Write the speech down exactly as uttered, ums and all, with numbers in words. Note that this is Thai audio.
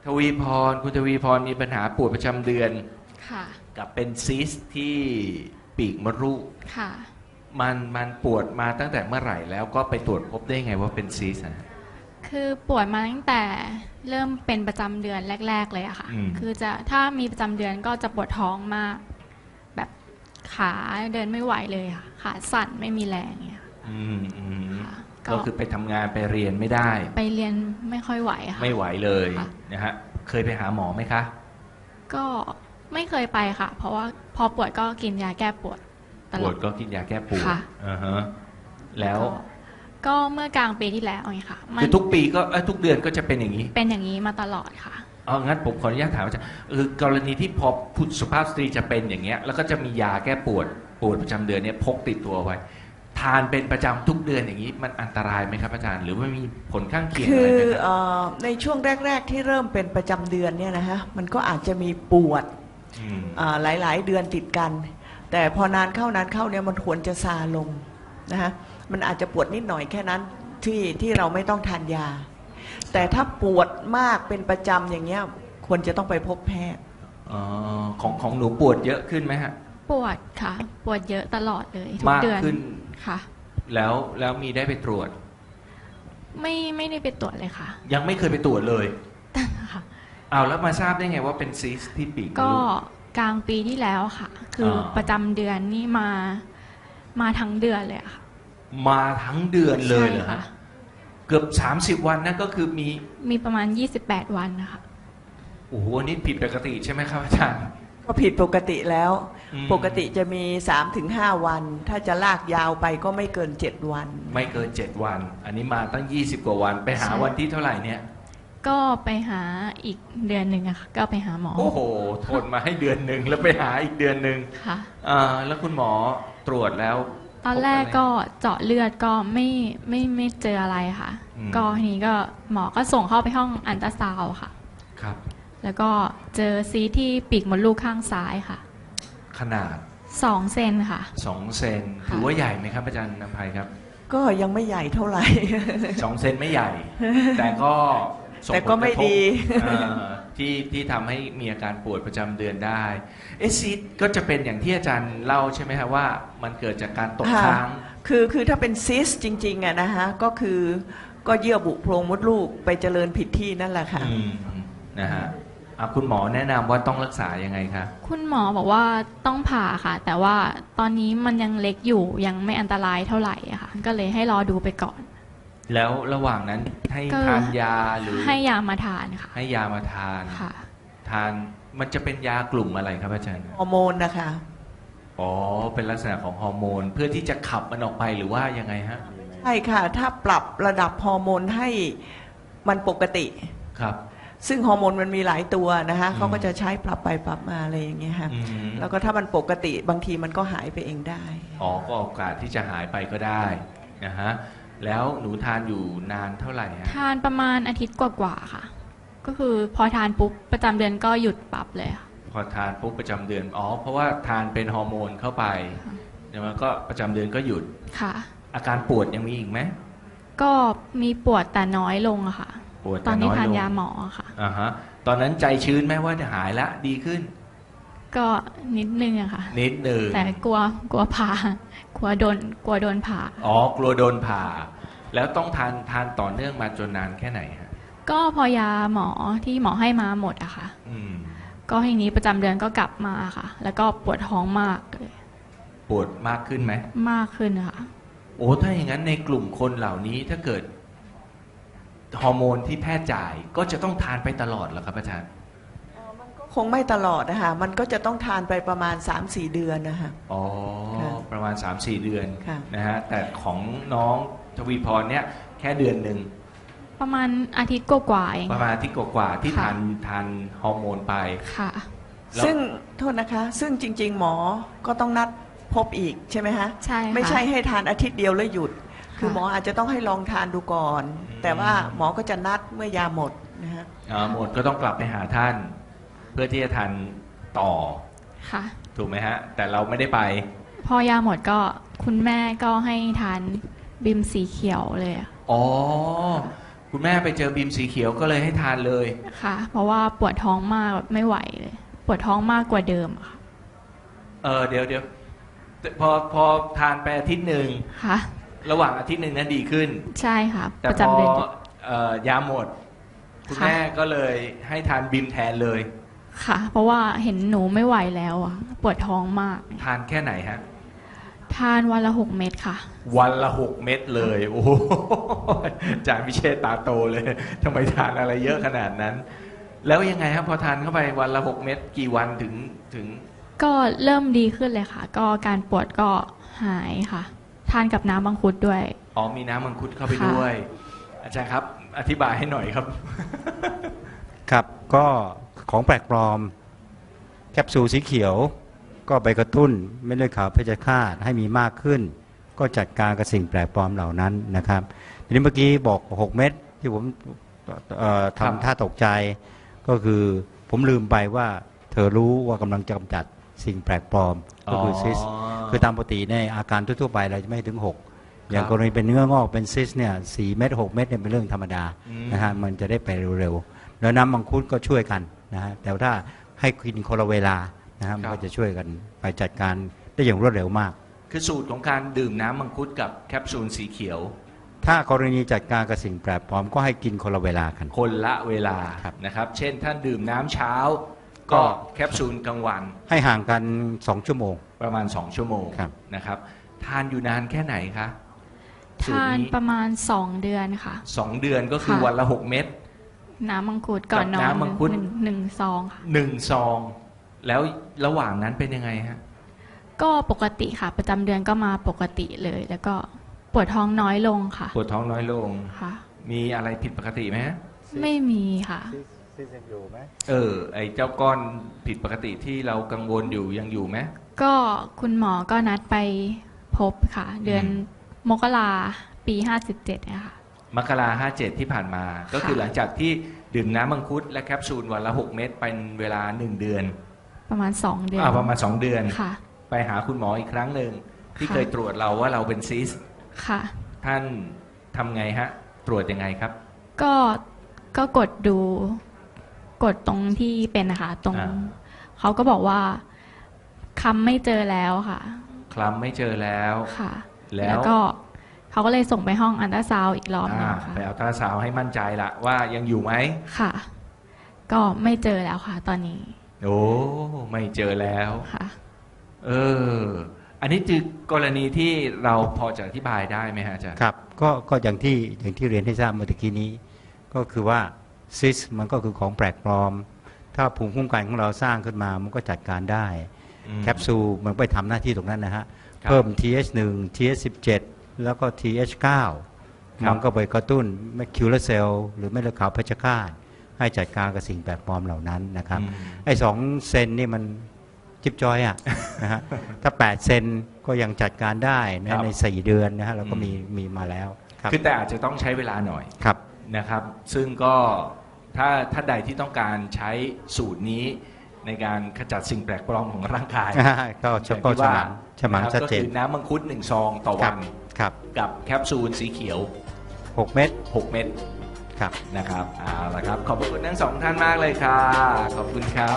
ทวีพรคุณทวีพรมีปัญหาปวดประจำเดือนค่ะกับเป็นซีสต์ที่ปีกมดลูกค่ะมันมันปวดมาตั้งแต่เมื่อไหร่แล้วก็ไปตรวจพบได้ไงว่าเป็นซีสต์นะคือปวดมาตั้งแต่เริ่มเป็นประจำเดือนแรกๆเลยอะค่ะคือจะถ้ามีประจำเดือนก็จะปวดท้องมากแบบขาเดินไม่ไหวเลยค่ะขาสั่นไม่มีแรงเงี้ยอืมอืมก็คือไปทำงานไปเรียนไม่ได้ไปเรียนไม่ค่อยไหวค่ะไม่ไหวเลยนะฮะเคยไปหาหมอไหมคะก็ไม่เคยไปค่ะเพราะว่าพอปวดก็กินยาแก้ปวดตลอดปวดก็กินยาแก้ปวดอ่าฮะแล้วก็เมื่อกลางปีที่แล้วไงค่ะคือทุกปีก็ทุกเดือนก็จะเป็นอย่างนี้เป็นอย่างนี้มาตลอดค่ะเอางั้นผมขออนุญาตถามอาจารย์คือกรณีที่พอผู้สุภาพสตรีจะเป็นอย่างเงี้ยแล้วก็จะมียาแก้ปวดปวดประจำเดือนเนี่ยพกติดตัวไว้ทานเป็นประจำทุกเดือนอย่างนี้มันอันตรายไหมครับอาจารย์หรือว่ามีผลข้างเคียงอะไรไหมคือในช่วงแรกๆที่เริ่มเป็นประจำเดือนเนี่ยนะฮะมันก็อาจจะมีปวดหลายๆเดือนติดกันแต่พอนานเข้านานเข้าเนี่ยมันควรจะซาลงนะฮะมันอาจจะปวดนิดหน่อยแค่นั้นที่ที่เราไม่ต้องทานยาแต่ถ้าปวดมากเป็นประจำอย่างเงี้ยควรจะต้องไปพบแพทย์อ๋อของของหนูปวดเยอะขึ้นไหมฮะปวดค่ะปวดเยอะตลอดเลยทุกเดือนมากขึ้นค่ะแล้วแล้วมีได้ไปตรวจไม่ไม่ได้ไปตรวจเลยค่ะยังไม่เคยไปตรวจเลยค่ะเอาแล้วมาทราบได้ไงว่าเป็นซีสต์ที่ปีกก็กลางปีที่แล้วค่ะคือประจำเดือนนี่มามาทั้งเดือนเลยค่ะมาทั้งเดือนเลยเหรอคะเกือบสามสิบวันนั่นก็คือมีมีประมาณยี่สิบแปดวันนะคะโอ้โหนี่ผิดปกติใช่ไหมครับอาจารย์ก็ผิดปกติแล้วปกติจะมี สามถึงห้า วันถ้าจะลากยาวไปก็ไม่เกินเจ็ดวันไม่เกินเจ็ดวันอันนี้มาตั้งยี่สิบกว่าวันไปหาวันที่เท่าไหร่เนี่ยก็ไปหาอีกเดือนหนึ่งอะค่ะก็ไปหาหมอโอ้โหทนมาให้เดือนหนึ่งแล้วไปหาอีกเดือนหนึ่งค่ะอ่าแล้วคุณหมอตรวจแล้วตอนแรกก็เจาะเลือดก็ไม่ไม่ไม่เจออะไรค่ะก็ทีนี้ก็หมอก็ส่งเข้าไปห้องอัลตราซาวด์ค่ะครับแล้วก็เจอซีสต์ที่ปีกมดลูกข้างซ้ายค่ะขนาดสองเซนค่ะสองเซนถือว่าใหญ่ไหมครับอาจารย์นภัยครับก็ยังไม่ใหญ่เท่าไหร่สองเซนไม่ใหญ่แต่ก็แต่ก็ไม่ดีที่ที่ทำให้มีอาการปวดประจำเดือนได้เอซีสก็จะเป็นอย่างที่อาจารย์เล่าใช่ไหมครับว่ามันเกิดจากการตกค้างคือคือถ้าเป็นซิสจริงๆอะนะฮะก็คือก็เยื่อบุโพรงมดลูกไปเจริญผิดที่นั่นแหละค่ะนะฮะคุณหมอแนะนำว่าต้องรักษายังไงคะคุณหมอบอกว่าต้องผ่าค่ะแต่ว่าตอนนี้มันยังเล็กอยู่ยังไม่อันตรายเท่าไหร่ค่ะก็เลยให้รอดูไปก่อนแล้วระหว่างนั้นให้ทานยาหรือให้ยามาทานค่ะให้ยามาทานค่ะทานมันจะเป็นยากลุ่มอะไรครับอาจารย์ฮอร์โมนนะคะอ๋อเป็นลักษณะของฮอร์โมนเพื่อที่จะขับมันออกไปหรือว่ายังไงฮะใช่ค่ะถ้าปรับระดับฮอร์โมนให้มันปกติครับซึ่งฮอร์โมนมันมีหลายตัวนะคะเขาก็จะใช้ปรับไปปรับมาอะไรอย่างเงี้ยค่ะแล้วก็ถ้ามันปกติบางทีมันก็หายไปเองได้อ๋อก็โอกาสที่จะหายไปก็ได้นะฮะแล้วหนูทานอยู่นานเท่าไหร่ฮะทานประมาณอาทิตย์กว่าๆค่ะก็คือพอทานปุ๊บประจำเดือนก็หยุดปรับเลยค่ะพอทานปุ๊บประจำเดือนอ๋อเพราะว่าทานเป็นฮอร์โมนเข้าไปเดี๋ยวมันก็ประจำเดือนก็หยุดค่ะอาการปวดยังมีอีกไหมก็มีปวดแต่น้อยลงอะค่ะตอนนี้ทานยาหมอค่ะอ่าฮะตอนนั้นใจชื้นไหมว่าจะหายละดีขึ้นก็นิดนึงอะค่ะนิดนึงแต่กลัวกลัวผ่ากลัวโดนกลัวโดนผ่าอ๋อกลัวโดนผ่าแล้วต้องทานทานต่อเนื่องมาจนนานแค่ไหนฮะก็พอยาหมอที่หมอให้มาหมดอะค่ะอืมก็ทีนี้ประจำเดือนก็กลับมาค่ะแล้วก็ปวดท้องมากเลยปวดมากขึ้นไหมมากขึ้นค่ะโอ้ถ้าอย่างนั้นในกลุ่มคนเหล่านี้ถ้าเกิดฮอร์โมนที่แพทย์จ่ายก็จะต้องทานไปตลอดเหรอครับอาจารย์คงไม่ตลอดนะคะมันก็จะต้องทานไปประมาณ สามสี่ เดือนนะคะอ๋อประมาณ สามสี่ เดือนนะฮะแต่ของน้องทวีพรเนี่ยแค่เดือนหนึ่งประมาณอาทิตย์กว่าๆเองประมาณอาทิตย์กว่าๆที่ทานทานฮอร์โมนไปค่ะซึ่งโทษนะคะซึ่งจริงๆหมอก็ต้องนัดพบอีกใช่ไหมฮะใช่ไม่ใช่ให้ทานอาทิตย์เดียวแล้วหยุดคือหมออาจจะต้องให้ลองทานดูก่อนแต่ว่าหมอก็จะนัดเมื่อยาหมดนะฮะอ๋อหมดก็ต้องกลับไปหาท่านเพื่อที่จะทานต่อค่ะถูกไหมฮะแต่เราไม่ได้ไปพอยาหมดก็คุณแม่ก็ให้ทานบิมสีเขียวเลยอ๋อคุณแม่ไปเจอบีมสีเขียวก็เลยให้ทานเลยค่ะ เพราะว่าปวดท้องมากแบบไม่ไหวเลย ปวดท้องมากกว่าเดิมอะค่ะเออเดี๋ยวเดี๋ยวพอพอทานไปอาทิตย์หนึ่งค่ะระหว่างอาทิตย์หนึ่งนั้นดีขึ้นใช่ค่ะแต่ประพอจำเดือนเอ่อยาหมด คุณค่ะแม่ก็เลยให้ทานบีมแทนเลยค่ะ เพราะว่าเห็นหนูไม่ไหวแล้วอะปวดท้องมากทานแค่ไหนฮะทานวันละหกเม็ดค่ะวันละหกเม็ดเลย โอ้โหอาจารย์พิเชษตาโตเลยทำไมทานอะไรเยอะขนาดนั้น แล้วยังไงครับพอทานเข้าไปวันละหกเม็ดกี่วันถึงถึงก็เริ่มดีขึ้นเลยค่ะ ก็การปวดก็หายค่ะ ทานกับน้ำมังคุดด้วยอ๋อมีน้ำมังคุดเข้าไปค่ะด้วย อาจารย์ครับ อธิบายให้หน่อยครับครับก็ของแปลกปลอมแคปซูลสีเขียวก็ไปกระตุ้นเม็ดเลือดขาวเพชฌฆาตให้มีมากขึ้น ก็จัดการกับสิ่งแปลกปลอมเหล่านั้นนะครับทีนี้เมื่อกี้บอกหกเม็ดที่ผมเอ่อครับทำท่าตกใจก็คือผมลืมไปว่าเธอรู้ว่ากำลังจะกำจัดสิ่งแปลกปลอมก็คือซิสคือตามปกติในอาการทั่วๆไปเราจะไม่ถึงหกอย่างกรณีเป็นเนื้องอกเป็นซิสเนี่ยสี่เม็ดหกเม็ดเนี่ยเป็นเรื่องธรรมดาอืมนะฮะมันจะได้ไปเร็วๆแล้วน้ำมังคุดก็ช่วยกันนะฮะแต่ถ้าให้กินคนละเวลานะฮะมันก็จะช่วยกันไปจัดการได้อย่างรวดเร็วมากคือสูตรของการดื่มน้ำมังคุดกับแคปซูลสีเขียวถ้ากรณีจัดการกับสิ่งแปลกปลอมก็ให้กินคนละเวลากันคนละเวลาครับนะครับ เช่นท่านดื่มน้ำเช้าก็ก็แคปซูลกลางวันให้ห่างกันสองชั่วโมงประมาณสองชั่วโมงครับนะครับ ทานอยู่นานแค่ไหนคะสูตรทานนี้ประมาณสองเดือนค่ะสองเดือนก็คือค่ะวันละหกเม็ดน้ำมังคุดก่อนนอนกับน้ำมังคุดหนึ่งหนึ่งซองค่ะหนึ่งซอง แล้วระหว่างนั้นเป็นยังไงฮะก็ปกติค่ะ ประจำเดือนก็มาปกติเลย แล้วก็ปวดท้องน้อยลงค่ะปวดท้องน้อยลงค่ะมีอะไรผิดปกติไหมฮะไม่มีค่ะเออ ไอ้เจ้าก้อนผิดปกติที่เรากังวลอยู่ยังอยู่ไหมก็คุณหมอก็นัดไปพบค่ะ เดือนอืมมกราปีห้าสิบเจ็ดนะคะมกราห้าเจ็ดที่ผ่านมา ก็คือหลังจากที่ดื่มน้ำมังคุดและแคปซูลวันละหกเม็ดเป็นเวลาหนึ่งเดือนประมาณสองเดือนอ่าประมาณสองเดือนค่ะไปหาคุณหมออีกครั้งหนึ่งที่ค่ะเคยตรวจเราว่าเราเป็นซิสค่ะท่านทำไงฮะ ตรวจยังไงครับก็ก็กดดู กดตรงที่เป็นนะคะตรงอ่าเขาก็บอกว่าคำไม่เจอแล้วค่ะคลำไม่เจอแล้วค่ะแล้วก็เขาก็เลยส่งไปห้องอันตราซาวด์อีกรอบหนึงอ่าค่ะไปเอาตราซาวด์ให้มั่นใจละว่ายังอยู่ไหมค่ะ ก็ไม่เจอแล้วค่ะ ตอนนี้โอ้ไม่เจอแล้วค่ะเออ อันนี้คือกรณีที่เราพอจะอธิบายได้ไหมฮะอาจารย์ครับก็ก็อย่างที่อย่างที่เรียนให้ทราบเมื่อกี้นี้ ก็คือว่าซิสมันก็คือของแปลกปลอม ถ้าภูมิคุ้มกันของเราสร้างขึ้นมามันก็จัดการได้อืมแคปซูลมันไปทำหน้าที่ตรงนั้นนะฮะครับเพิ่ม ที เอช หนึ่ง ที เอช สิบเจ็ด แล้วก็ ที เอช เก้าครับมันก็ไปกระตุ้นแมคคิวเลอร์เซลล์หรือเม็ดเลือดขาวเพชฌฆาตให้จัดการกับสิ่งแปลกปลอมเหล่านั้นนะครับอืมไอ้สองเซนนี่มันจิบจอยอะ นะฮะถ้าแปดเซนก็ยังจัดการได้ครันะบในสี่เดือนนะฮะเราก็อืมมีมีมาแล้วครับคือแต่อาจจะต้องใช้เวลาหน่อยครับนะครับ ซึ่งก็ถ้าถ้าใดที่ต้องการใช้สูตรนี้ในการขจัดสิ่งแปลกปลอมของร่างกายก็เฉพาะฉมังฉมังนะครับชัดเจนก็คือน้ำมังคุดหนึ่งซองต่อควัรับนครับกับแคปซูลสีเขียวหกเม็ดหกเม็ดครับนะครับเอาละครับ ขอบพระคุณทั้งสองท่านมากเลยค่ะ ขอบคุณครับ